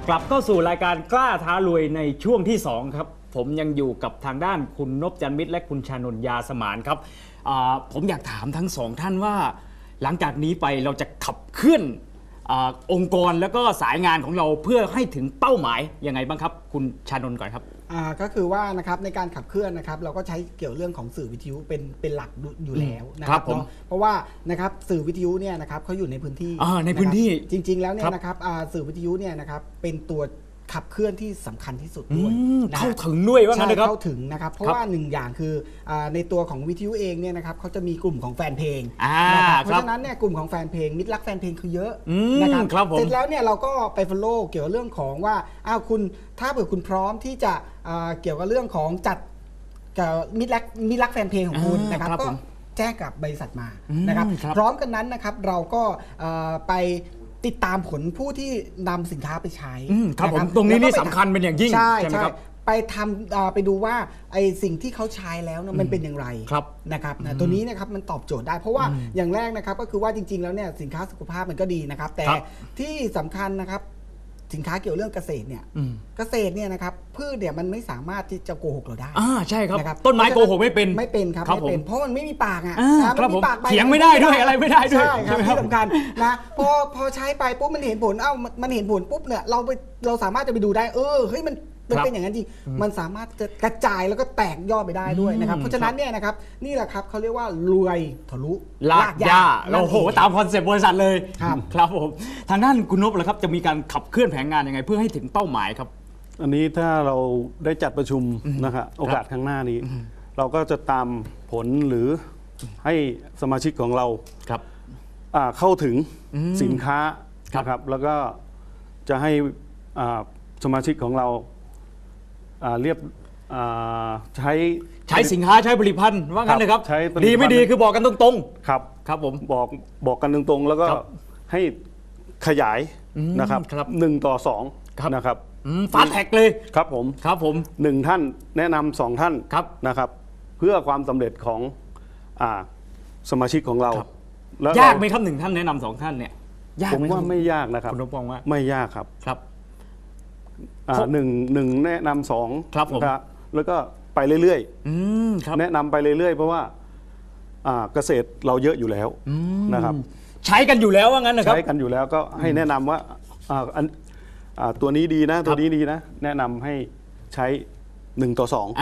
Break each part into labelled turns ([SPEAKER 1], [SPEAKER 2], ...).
[SPEAKER 1] กลับเข้าสู่รายการกล้าท้ารวยในช่วงที่2ครับผมยังอยู่กับทางด้านคุณนพจันทร์มิตรและคุณชานนท์ยาสมานครับผมอยากถามทั้งสองท่านว่าหลังจากนี้ไปเราจะขับเคลื่อนองค์กรแล้วก็สายงานของเราเพื่อให้ถึงเป้าหมายยังไงบ้างครับคุณชานนท์ก่อนครับ
[SPEAKER 2] ก็คือว่านะครับในการขับเคลื่อนนะครับเราก็ใช้เกี่ยวเรื่องของสื่อวิทยุเป็นหลักอยู่แล้วนะครับเพราะว่านะครับสื่อวิทยุเนี่ยนะครับเขาอยู่ในพื้นที่
[SPEAKER 1] ในพื้นที่
[SPEAKER 2] จริงๆแล้วเนี่ยนะครับสื่อวิทยุเนี่ยนะครับเป็นตัวขับเคลื่อนที่สำคัญที่สุดด้วย
[SPEAKER 1] เข้าถึงด้วยว่างั้นนะครับ
[SPEAKER 2] เข้าถึงนะครับเพราะว่าหนึ่งอย่างคือในตัวของวิทยุเองเนี่ยนะครับเขาจะมีกลุ่มของแฟนเพลงนะครับเพราะฉะนั้นเนี่ยกลุ่มของแฟนเพลงมิตรรักแฟนเพลงคือเยอะนะครับเสร็จแล้วเนี่ยเราก็ไปฟอลโล่เกี่ยวกับเรื่องของว่าคุณถ้าเผื่อคุณพร้อมที่จะเกี่ยวกับเรื่องของจัดมิตรรักแฟนเพลงของคุณนะครับก็แจ้งกับบริษัทมานะครับพร้อมกันนั้นนะครับเราก็ไปติดตามผลผู้ที่นำสินค้าไปใช้
[SPEAKER 1] ครับผมตรงนี้นี่สำคัญเป็นอย่างยิ่ง
[SPEAKER 2] ใช่ไหมครับไปทำไปดูว่าไอ้สิ่งที่เขาใช้แล้วมันเป็นอย่างไรนะครับตัวนี้นะครับมันตอบโจทย์ได้เพราะว่าอย่างแรกนะครับก็คือว่าจริงๆแล้วเนี่ยสินค้าสุขภาพมันก็ดีนะครับแต่ที่สำคัญนะครับสินค้าเกี่ยวเรื่องเกษตรเนี่ยเนี่ยนะครับพืชเนี่ยมันไม่สามารถที่จะโกหกเราได้
[SPEAKER 1] ใช่ครับต้นไม้โกหกไม่เป็น
[SPEAKER 2] ครับไม่เป็นเพราะมันไม่มีปาก
[SPEAKER 1] มันมีปากเถียงไม่ได้ด้วยอะไรไม่ได้ด้วย
[SPEAKER 2] ใช่ครับที่สำคัญนะพอใช้ไปปุ๊บมันเห็นผลมันเห็นผลปุ๊บเนี่ยเราสามารถจะไปดูได้เฮ้ยมันเป็นอย่างนั้นจริงมันสามารถจะกระจายแล้วก็แตกยอดไปได้ด้วยนะครับเพราะฉะนั้นเนี่ยนะครับนี่แหละครับเขาเรียกว่ารวยทะลุ
[SPEAKER 1] ลากยาเราโหตามคอนเซ็ปต์บริษัทเลยครับผมทางด้านคุณนพล่ะครับจะมีการขับเคลื่อนแผนงานยังไงเพื่อให้ถึงเป้าหมายครับ
[SPEAKER 3] อันนี้ถ้าเราได้จัดประชุมนะครับโอกาสข้างหน้านี้เราก็จะตามผลหรือให้สมาชิกของเราเข้าถึงสินค้านะครับแล้วก็จะให้สมาชิกของเราเรียบใช้
[SPEAKER 1] สินค้าใช้ผลิตภัณฑ์ว่างั้นเลยครับดีไม่ดีคือบอกกันตรง
[SPEAKER 3] ๆครับผมบอกกันตรงๆแล้วก็ให้ขยายนะครับ1 ต่อ 2นะครับ
[SPEAKER 1] ฟาสแท็กเลย
[SPEAKER 3] ครับผม1 ท่านแนะนำ2 ท่านนะครับเพื่อความสำเร็จของสมาชิกของเรา
[SPEAKER 1] ยากไหมครับ1 ท่านแนะนำ2 ท่านเนี่ย
[SPEAKER 3] ผมว่าไม่ยากนะครับ
[SPEAKER 1] คุณนพมองว่า
[SPEAKER 3] ไม่ยากครับหนึ่งแนะนำ2
[SPEAKER 1] ครับผม
[SPEAKER 3] แล้วก็ไปเรื่อยๆแนะนำไปเรื่อยๆเพราะว่าเกษตรเราเยอะอยู่แล้วนะครับ
[SPEAKER 1] ใช้กันอยู่แล้วว่างั้นนะครับ
[SPEAKER 3] ใช้กันอยู่แล้วก็ให้แนะนำว่าตัวนี้ดีนะตัวนี้ดีนะแนะนำให้ใช้1 ต่อ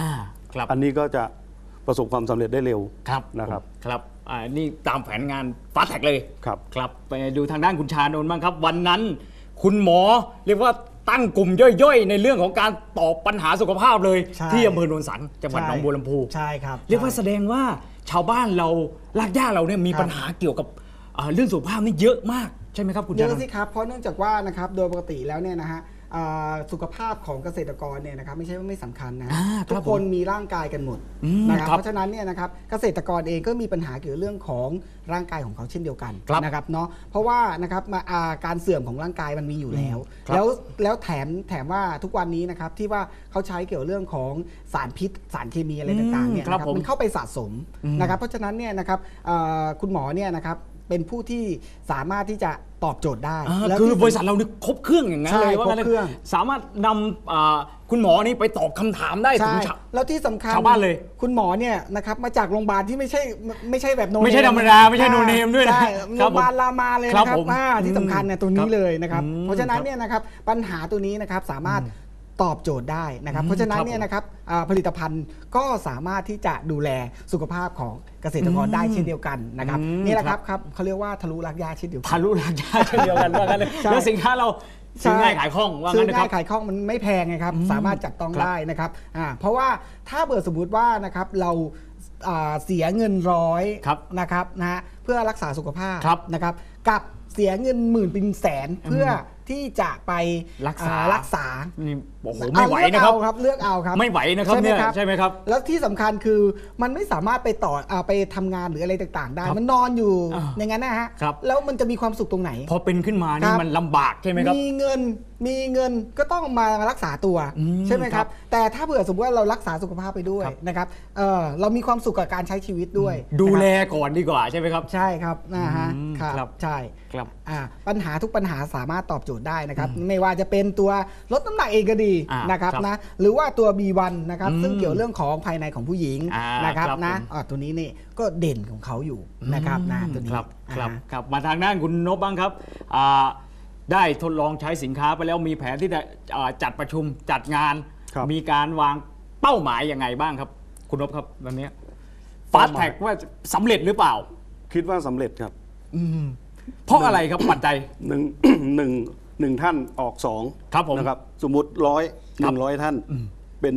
[SPEAKER 3] 2อันนี้ก็จะประสบความสำเร็จได้เร็วนะครับ
[SPEAKER 1] นี่ตามแผนงานฟาสแท็กเลยครับไปดูทางด้านคุณชานนท์บ้างครับวันนั้นคุณหมอเรียกว่าตั้งกลุ่มย่อยๆในเรื่องของการตอบปัญหาสุขภาพเลยที่อำเภอโนนสังจังหวัดหนองบัวลำพู
[SPEAKER 2] ใช่ครับ
[SPEAKER 1] เรียกว่าแสดงว่าชาวบ้านเรารากหญ้าเราเนี่ยมีปัญหาเกี่ยวกับเรื่องสุขภาพนี่เยอะมากใช่ไหมครับคุณ
[SPEAKER 2] เยอะสิครับเพราะเนื่องจากว่านะครับโดยปกติแล้วเนี่ยนะฮะสุขภาพของเกษตรกรเนี่ยนะครับไม่ใช่ว่าไม่สำคัญนะทุกคนมีร่างกายกันหมดนะครับเพราะฉะนั้นเนี่ยนะครับเกษตรกรเองก็มีปัญหาเกี่ยวกับเรื่องของร่างกายของเขาเช่นเดียวกันนะครับเนาะเพราะว่านะครับการเสื่อมของร่างกายมันมีอยู่แล้วแถมว่าทุกวันนี้นะครับที่ว่าเขาใช้เกี่ยวกับเรื่องของสารพิษสารเคมีอะไรต่างๆเนี่ยนะครับมันเข้าไปสะสมนะครับเพราะฉะนั้นเนี่ยนะครับคุณหมอเนี่ยนะครับเป็นผู้ที่สามารถที่จะตอบโจทย์ได้
[SPEAKER 1] คือบริษัทเราครบเครื่องอย่างนั้นเลยว่าสามารถนำคุณหมอนี่ไปตอบคำถามได้ถึง
[SPEAKER 2] แล้วที่สำคัญ
[SPEAKER 1] ชาวบ้านเลย
[SPEAKER 2] คุณหมอเนี่ยนะครับมาจากโรงพยาบาลที่ไม่ใช่แบบโนเนม
[SPEAKER 1] ไม่ใช่ธรรมดาไม่ใช่โนเนมด้วยนะ
[SPEAKER 2] โรงพยาบาลรามาเลยนะครับที่สำคัญเนี่ยตัวนี้เลยนะครับเพราะฉะนั้นเนี่ยนะครับปัญหาตัวนี้นะครับสามารถตอบโจทย์ได้นะครับเพราะฉะนั้นเนี่ยนะครับผลิตภัณฑ์ก็สามารถที่จะดูแลสุขภาพของเกษตรกรได้เช่นเดียวกันนะครับนี่แหละครับเขาเรียกว่าทะลุรากหญ้าเช่นเดียวกัน
[SPEAKER 1] ทะลุรากหญ้าเช่นเดียวกันว่างั้นแล้วสินค้าเราซื้อง่ายขายคล่องว่างั้นนะครับ
[SPEAKER 2] ซื้อง่ายขายคล่องมันไม่แพงไงครับสามารถจับต้องได้นะครับเพราะว่าถ้าเบอร์สมมุติว่านะครับเราเสียเงิน100นะครับเพื่อรักษาสุขภาพนะครับกับเสียเงินหมื่นเป็นแสนเพื่อที่จะไปรักษา
[SPEAKER 1] โอ้โหไม่ไหวนะครับ
[SPEAKER 2] เลือกเอาครับ
[SPEAKER 1] ไม่ไหวนะครับเนี่ยใช่ไหมครับ
[SPEAKER 2] แล้วที่สำคัญคือมันไม่สามารถไปต่อไปทำงานหรืออะไรต่างๆได้มันนอนอยู่อย่างนั้นนะฮะแล้วมันจะมีความสุขตรงไหน
[SPEAKER 1] พอเป็นขึ้นมานี่มันลำบากใช่ไหมครับ
[SPEAKER 2] มีเงินก็ต้องมารักษาตัวใช่ไหมครับแต่ถ้าเผื่อสมมติว่าเรารักษาสุขภาพไปด้วยนะครับเรามีความสุขกับการใช้ชีวิตด้วย
[SPEAKER 1] ดูแลก่อนดีกว่าใช่ไหมครับ
[SPEAKER 2] ใช่ครับนะฮะครับใช่
[SPEAKER 1] ครับ
[SPEAKER 2] ปัญหาทุกปัญหาสามารถตอบโจทย์ได้นะครับไม่ว่าจะเป็นตัวลดน้ำหนักเองก็ดีนะครับนะหรือว่าตัว B1 นะครับซึ่งเกี่ยวเรื่องของภายในของผู้หญิงนะครับนะตัวนี้นี่ก็เด่นของเขาอยู่นะครับนะตัวนี้
[SPEAKER 1] ครับมาทางด้านคุณนพบ้างครับได้ทดลองใช้สินค้าไปแล้วมีแผนที่จะจัดประชุมจัดงาน มีการวางเป้าหมายยังไงบ้างครับคุณนพครับวันนี้ฟาสแท็กว่าสำเร็จหรือเปล่า
[SPEAKER 3] คิดว่าสำเร็จครับ
[SPEAKER 1] เพราะอะไรครับปัจจัย
[SPEAKER 3] หนึ่งท่านออก2
[SPEAKER 1] ครับผม
[SPEAKER 3] นะครับสมมุติ100 ท่านเป็น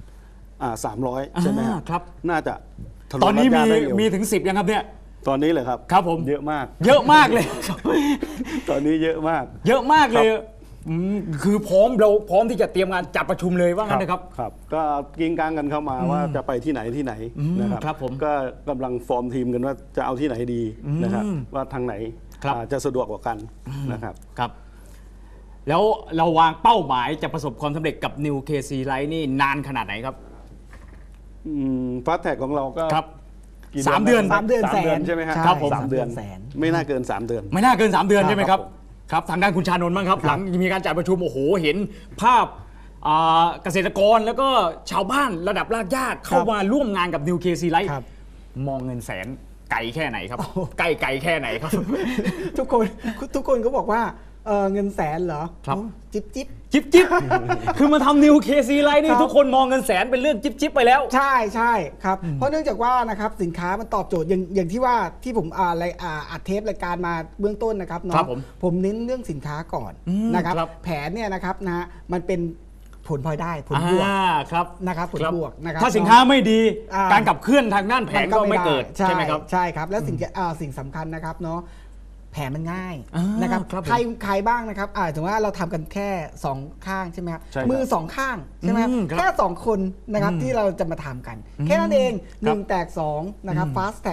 [SPEAKER 3] 300 ใช่ไหม
[SPEAKER 1] ครับ
[SPEAKER 3] น่าจะทะลุ
[SPEAKER 1] ตอนนี้
[SPEAKER 3] รอบได้เร็ว
[SPEAKER 1] มีถึง 10ยังครับเนี่ย
[SPEAKER 3] ตอนนี้เลยครับ
[SPEAKER 1] ครับผม
[SPEAKER 3] เยอะมาก
[SPEAKER 1] เยอะมากเลย
[SPEAKER 3] ตอนนี้เยอะมาก
[SPEAKER 1] เยอะมากเลยคือเราพร้อมที่จะเตรียมงานจัดประชุมเลยว่างั้นนะครับ
[SPEAKER 3] ครับก็กิ้งกลางกันเข้ามาว่าจะไปที่ไหนนะครับ
[SPEAKER 1] ครับผม
[SPEAKER 3] ก็กำลังฟอร์มทีมกันว่าจะเอาที่ไหนดีนะครับว่าทางไหน
[SPEAKER 1] ครับ
[SPEAKER 3] จะสะดวกกว่ากันนะครับ
[SPEAKER 1] ครับ แล้วเราวางเป้าหมายจะประสบความสำเร็จกับ New KC Light นี่นานขนาดไหนครับ
[SPEAKER 3] ฟาสแท็กของเราก็
[SPEAKER 1] ครับ
[SPEAKER 3] กี่
[SPEAKER 1] 3 เดือน
[SPEAKER 2] 3 เดือนแสน
[SPEAKER 3] ใช่ไหมครับ
[SPEAKER 1] ครับผม
[SPEAKER 3] 3 เดือน
[SPEAKER 2] แสน
[SPEAKER 3] ไม่น่าเกิน 3 เดือน
[SPEAKER 1] ไม่น่าเกิน 3 เดือนใช่ไหมครับ
[SPEAKER 3] ครับผม
[SPEAKER 1] ครับทางด้านคุณชานนท์บ้างครับ หลังมีการจัดประชุมโอ้โหเห็นภาพเกษตรกรแล้วก็ชาวบ้านระดับรากหญ้าเข้ามาร่วมงานกับ New KC Light
[SPEAKER 2] ครับ
[SPEAKER 1] มองเงินแสนไกลแค่ไหนครับไกลแค่ไหนครับ
[SPEAKER 2] ทุกคนก็บอกว่าเงินแสนเหรอ
[SPEAKER 1] ครับ
[SPEAKER 2] จิ๊บ
[SPEAKER 1] จิ๊บ คือมาทำ New KC Light นี่ทุกคนมองเงินแสนเป็นเรื่องจิ๊บไปแล้ว
[SPEAKER 2] ใช่ครับเพราะเนื่องจากว่านะครับสินค้ามันตอบโจทย์อย่างที่ว่าที่ผมอัดเทปรายการมาเบื้องต้นนะครับ
[SPEAKER 1] ครั
[SPEAKER 2] เนาะ
[SPEAKER 1] บผม
[SPEAKER 2] ผมเน้นเรื่องสินค้าก่อนนะครับ
[SPEAKER 1] ครับ
[SPEAKER 2] แผนเนี่ยนะครับนะมันเป็นผลพลอยได้ผลบวก
[SPEAKER 1] ครับ
[SPEAKER 2] นะครับผลบวกนะครับ
[SPEAKER 1] ถ้าสินค้าไม่ดี
[SPEAKER 2] อ่า
[SPEAKER 1] การขับเคลื่อนทางด้านแผนก็ไม่เกิด
[SPEAKER 2] ใช่
[SPEAKER 1] ใช่ไหมครับ
[SPEAKER 2] ใช่ครับแล้วสิ่งสำคัญนะครับเนาะแผลมันง่าย
[SPEAKER 1] อ่าน
[SPEAKER 2] นะครับ
[SPEAKER 1] ครับผม
[SPEAKER 2] ใครบ้างนะครับถึงว่าเราทำกันแค่2ข้างใช่ไหมครับ
[SPEAKER 3] ใช่ครับ
[SPEAKER 2] มือ2ข้างใช่ไหมครับ
[SPEAKER 1] ครับ
[SPEAKER 2] แค่2คนนะครับที่เราจะมาทำกัน แค่นั้นเอง1แตก2นะครับ fast tag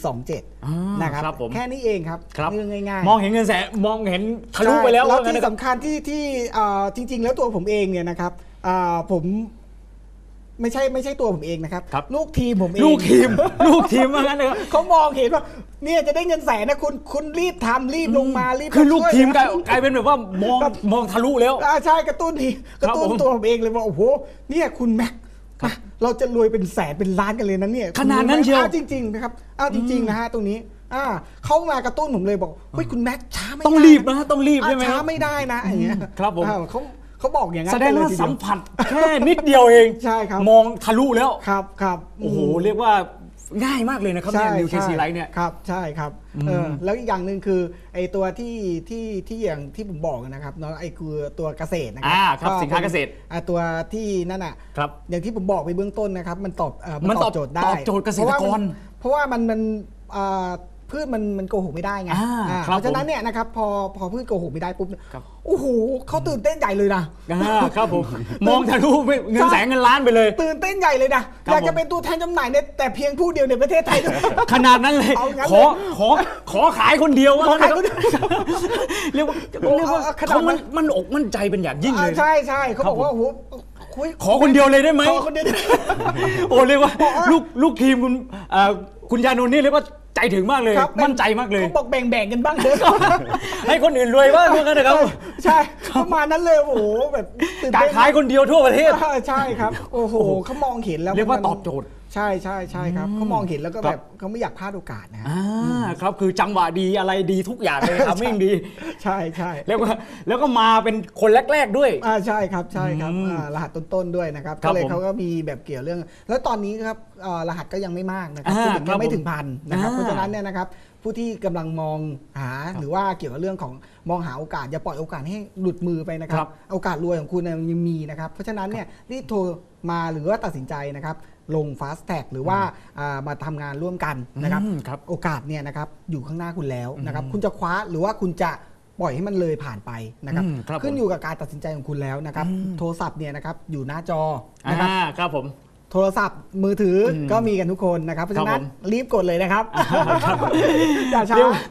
[SPEAKER 2] 127นะครับ
[SPEAKER 1] ครับผม
[SPEAKER 2] แค่นี้เองครับ
[SPEAKER 1] ครับ
[SPEAKER 2] เรื่องง่ายๆ
[SPEAKER 1] มองเห็นเงินแสนมองเห็นทะลุไปแล้ว
[SPEAKER 2] แล้ว
[SPEAKER 1] ว่างั้น
[SPEAKER 2] ที่
[SPEAKER 1] นะครับ
[SPEAKER 2] สำคัญที่จริง ๆ แล้วตัวผมเองเนี่ยนะครับผมไม่ใช่ตัวผมเองนะครับ
[SPEAKER 1] ครับ
[SPEAKER 2] ลูกทีมผมเอง
[SPEAKER 1] ลูกทีมว่างั้นนะครับ
[SPEAKER 2] เขามองเห็นว่าเนี่ยจะได้เงินแสนนะคุณรีบทำรีบลงมารีบ
[SPEAKER 1] คือลูก
[SPEAKER 2] ช่วย
[SPEAKER 1] ทีม
[SPEAKER 2] นะ
[SPEAKER 1] กลายเป็นแบบว่ามองทะลุแล้ว
[SPEAKER 2] ใช่กระตุ้นทีกระตุ้น
[SPEAKER 1] ผม
[SPEAKER 2] ตัวผมเองเลยว่าโอ้โหเนี่ยคุณแม็กมาเราจะรวยเป็นแสนเป็นล้านกันเลยนะเนี่ย
[SPEAKER 1] ขนาดนั้นเชียว
[SPEAKER 2] จริงๆนะครับจริงๆนะฮะตรงนี้เขามากระตุ้นผมเลยบอกเฮ้ยคุณแม็กช้าไม่ได้
[SPEAKER 1] ต้องรีบนะต้องรีบใช่ไหมค
[SPEAKER 2] ช้า
[SPEAKER 1] รับ
[SPEAKER 2] ไม่ได้นะอย่างเงี้ย
[SPEAKER 1] ครับผม
[SPEAKER 2] เขาบอกอย่างนั้น
[SPEAKER 1] แสดงว่า
[SPEAKER 2] กันเลยทีเย
[SPEAKER 1] สัมผัสแค่นิดเดียวเอง
[SPEAKER 2] ใช่ครับ
[SPEAKER 1] มองทะลุแล้ว
[SPEAKER 2] ครับ
[SPEAKER 1] โอ้โหเรียกว่าง่ายมากเลยนะครับเนี่ย New KC Light เนี่ย
[SPEAKER 2] ครับใช่ครับแล้วอีกอย่างหนึ่งคือไอ้ตัวที่อย่างที่ผมบอกนะครับเนาะไอ้คือตัวเกษตรนะครั
[SPEAKER 1] ครับสินค้าเกษตร
[SPEAKER 2] ตัวที่นั่นอ่ะ
[SPEAKER 1] ครับ
[SPEAKER 2] อย่างที่ผมบอกไปเบื้องต้นนะครับมันตอบ
[SPEAKER 1] มันตอบ
[SPEAKER 2] โจทย์ได้
[SPEAKER 1] ตอบโจทย์เกษตรกร
[SPEAKER 2] เพราะว่ามันพืชมันโกหกไม่ได้ไง
[SPEAKER 1] ครับ
[SPEAKER 2] เพราะฉะนั้นเนี่ยนะครับพอพืชโกหกไม่ได้ปุ๊บ
[SPEAKER 1] ครับ
[SPEAKER 2] โอ้โหเขาตื่นเต้นใหญ่เลยนะ
[SPEAKER 1] ครับผมมองทะลุไปเงินแสนเงินล้านไปเลย
[SPEAKER 2] ตื่นเต้นใหญ่เลยนะ
[SPEAKER 1] ครับ
[SPEAKER 2] อยากจะเป็นตัวแทนจำหน่ายเนี่ยแต่เพียงผู้เดียวในประเทศไทย
[SPEAKER 1] ขนาดนั้นเลย
[SPEAKER 2] เอางั้น
[SPEAKER 1] ข
[SPEAKER 2] เลย
[SPEAKER 1] ขอขายคนเดียวว่า
[SPEAKER 2] ขอขาย
[SPEAKER 1] งั้น
[SPEAKER 2] คนเดียว
[SPEAKER 1] เรียกว่า
[SPEAKER 2] ขนาด
[SPEAKER 1] เขา
[SPEAKER 2] นั้น
[SPEAKER 1] มันอกมั่นใจเป็นอย่างยิ่งเลย
[SPEAKER 2] ใช่เขาบอกว่าโอ้โห
[SPEAKER 1] ขอคนเดียวเลยได้ไหม
[SPEAKER 2] ขอคนเดียวได้ไหม
[SPEAKER 1] โอ้เรียกว่าลูกทีมคุณยานนท์นี่เรียกว่าใจถึงมากเลย
[SPEAKER 2] ครับ
[SPEAKER 1] มั่นใจมากเลย
[SPEAKER 2] เขาบอกแบ่งกันบ้างเถอะ
[SPEAKER 1] ให้คนอื่นรวยบ้างว่างั้นนะครับ
[SPEAKER 2] ใช่ประมาณนั้นเลยโอ้โหแบบตื่น
[SPEAKER 1] การ
[SPEAKER 2] เต้น
[SPEAKER 1] ขายคนเดียวทั่วประเทศ
[SPEAKER 2] ใช่ครับโอ้โหเขามองเห็นแล้ว
[SPEAKER 1] เรียกว่า
[SPEAKER 2] มัน
[SPEAKER 1] ตอบโจทย์
[SPEAKER 2] ใช่ครับเขามองเห็นแล้วก็แบบเขาไม่อยากพลาดโอกาสนะฮะ
[SPEAKER 1] ครับคือจังหวะดีอะไรดีทุกอย่างเลยทำให้ดี
[SPEAKER 2] ใช่
[SPEAKER 1] แล้วก็มาเป็นคนแรกๆด้วย
[SPEAKER 2] ใช่ครับรหัสต้นๆด้วยนะครับ
[SPEAKER 1] ครับ
[SPEAKER 2] ก็เลย
[SPEAKER 1] ผม
[SPEAKER 2] เขาก็มีแบบเกี่ยวเรื่อง แล้วตอนนี้ครับรหัสก็ยังไม่มากนะครับ
[SPEAKER 1] อ่า
[SPEAKER 2] พูดถึง
[SPEAKER 1] ครั
[SPEAKER 2] ยั
[SPEAKER 1] บ
[SPEAKER 2] งไม่ถึงพันนะครับ
[SPEAKER 1] อ่า
[SPEAKER 2] เพราะฉะนั้นเนี่ยนะครับผู้ที่กำลังมองหาหรือว่าเกี่ยวกับเรื่องของมองหาโอกาสอย่าปล่อยโอกาสให้หลุดมือไปนะค
[SPEAKER 1] ครั
[SPEAKER 2] รับ
[SPEAKER 1] บ
[SPEAKER 2] โอกาสรวยของคุณเนี่ยยังมีนะครับเพราะฉะนั้นเนี่ยรีบโทรมาหรือว่าตัดสินใจนะครับลง fast tag หรือว่ามาทำงานร่วมกันนะครับ
[SPEAKER 1] ครับ
[SPEAKER 2] โอกาสเนี่ยนะครับอยู่ข้างหน้าคุณแล้วนะครับคุณจะคว้าหรือว่าคุณจะปล่อยให้มันเลยผ่านไปนะครับ
[SPEAKER 1] ครับ
[SPEAKER 2] ขึ้นอยู่กับการตัดสินใจของคุณแล้วนะครับโทรศัพท์เนี่ยนะครับอยู่หน้าจอนะครับ
[SPEAKER 1] ครับผม
[SPEAKER 2] โทรศัพท์มือถือก็มีกันทุกคนนะครับเพราะฉะนั้น
[SPEAKER 1] ผม
[SPEAKER 2] รีบกดเลยนะครับอย่าช้า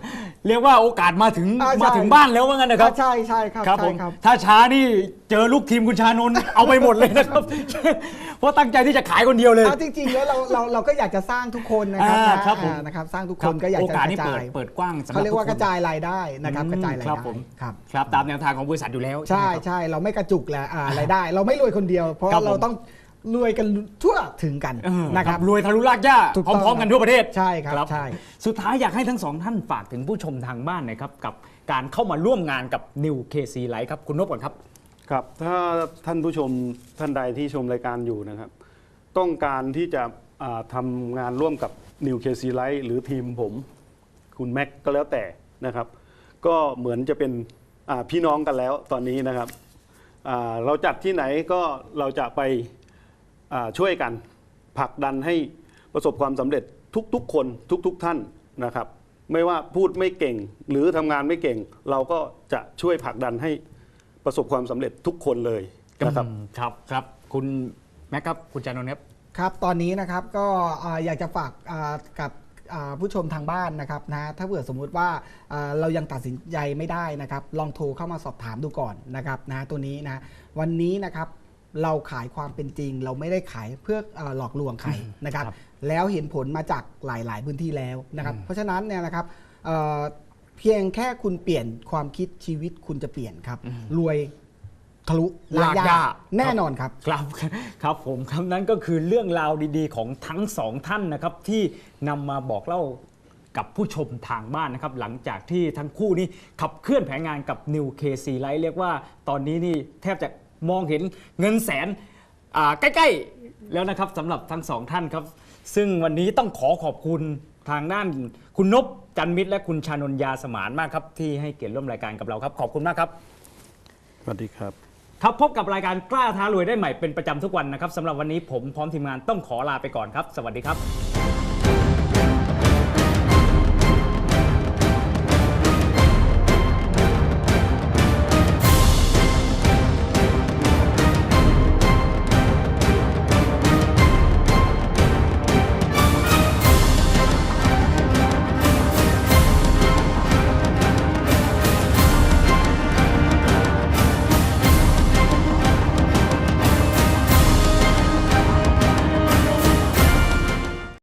[SPEAKER 1] เรียกว่าโอกาสมาถึง
[SPEAKER 2] ใช่
[SPEAKER 1] มาถึงบ้านแล้วว่างั้นนะครับ
[SPEAKER 2] ใช่ใช่ครับ
[SPEAKER 1] ครับผ
[SPEAKER 2] ใช่
[SPEAKER 1] ม
[SPEAKER 2] ครับ
[SPEAKER 1] ถ้าช้านี่เจอลูกทีมคุณชานนท์เอาไปหมดเลยนะครับ เพราะตั้งใจที่จะขายคนเดียวเลย
[SPEAKER 2] จริงๆแล้วเราก็อยากจะสร้างทุกคนนะครับ
[SPEAKER 1] ครับผม
[SPEAKER 2] นะครับสร้างทุกคนก็อยาก
[SPEAKER 1] โอ
[SPEAKER 2] จะ
[SPEAKER 1] กาส
[SPEAKER 2] ก
[SPEAKER 1] นี้
[SPEAKER 2] ระจาย
[SPEAKER 1] เปิดกว้างสำหรับ
[SPEAKER 2] เขาเรียกว่า
[SPEAKER 1] ทุ
[SPEAKER 2] กระจายรายได้นะครับกระจายราย
[SPEAKER 1] ครับ
[SPEAKER 2] ได้
[SPEAKER 1] ผม
[SPEAKER 2] ครับ
[SPEAKER 1] ครับตามแนวทางของบริษัทอยู่แล้ว
[SPEAKER 2] ใช่
[SPEAKER 1] ไหมครับ
[SPEAKER 2] ใช่เราไม่กระจุกแหละรายได้ เราไม่รวยคนเดียว เพราะ
[SPEAKER 1] ครับผม
[SPEAKER 2] เราต้องรวยกันทั่วถึงกัน นะครับ
[SPEAKER 1] รวยทะลุรากหญ้า
[SPEAKER 2] ถูก
[SPEAKER 1] พ
[SPEAKER 2] ต้อง
[SPEAKER 1] ร้อมๆกันทั่วประเทศ
[SPEAKER 2] ใช่ครับใช่
[SPEAKER 1] สุดท้ายอยากให้ทั้งสองท่านฝากถึงผู้ชมทางบ้านหน่อยครับกับการเข้ามาร่วมงานกับ New KC Life ครับคุณนพก่อนครับ
[SPEAKER 3] ครับถ้าท่านผู้ชมท่านใดที่ชมรายการอยู่นะครับ ต้องการที่จะทำงานร่วมกับ New KC Life หรือทีมผมคุณแม็กก็แล้วแต่นะครับ ก็เหมือนจะเป็นพี่น้องกันแล้วตอนนี้นะครับเราจัดที่ไหนก็เราจะไปช่วยกันผลักดันให้ประสบความสำเร็จทุกๆคนทุกท่านนะครับ ไม่ว่าพูดไม่เก่งหรือทำงานไม่เก่ง เราก็จะช่วยผลักดันให้ประสบความสำเร็จทุกคนเลยนะครับ
[SPEAKER 1] ครับคุณแม็กครับคุณจานนท์ครับ
[SPEAKER 2] ครับตอนนี้นะครับก็อยากจะฝากกับผู้ชมทางบ้านนะครับนะถ้าเผื่อสมมุติว่าเรายังตัดสินใจไม่ได้นะครับลองโทรเข้ามาสอบถามดูก่อนนะครับนะตัวนี้นะวันนี้นะครับเราขายความเป็นจริง เราไม่ได้ขายเพื่อหลอกลวงใครนะครับ
[SPEAKER 1] ครับ
[SPEAKER 2] แล้วเห็นผลมาจากหลาย ๆ พื้นที่แล้วนะครับเพราะฉะนั้นเนี่ยนะครับเพียงแค่คุณเปลี่ยนความคิดชีวิตคุณจะเปลี่ยนครับรวยทะลุลากยาแน่นอนครับ
[SPEAKER 1] ครับผมคำนั้นก็คือเรื่องราวดีๆของทั้งสองท่านนะครับที่นำมาบอกเล่ากับผู้ชมทางบ้านนะครับหลังจากที่ทั้งคู่นี้ขับเคลื่อนแผนงานกับ New KC Life เรียกว่าตอนนี้นี่แทบจะมองเห็นเงินแสนใกล้ๆแล้วนะครับสำหรับทั้งสองท่านครับซึ่งวันนี้ต้องขอบคุณทางด้านคุณนพจันมิตรและคุณชานนท์ยาสมานมากครับที่ให้เกียรติร่วมรายการกับเราครับขอบคุณมากครับ
[SPEAKER 3] สวัสดีครับ
[SPEAKER 1] ครับพบกับรายการกล้าท้ารวยได้ใหม่เป็นประจำทุกวันนะครับสำหรับวันนี้ผมพร้อมทีมงานต้องขอลาไปก่อนครับ สวัสดีครับ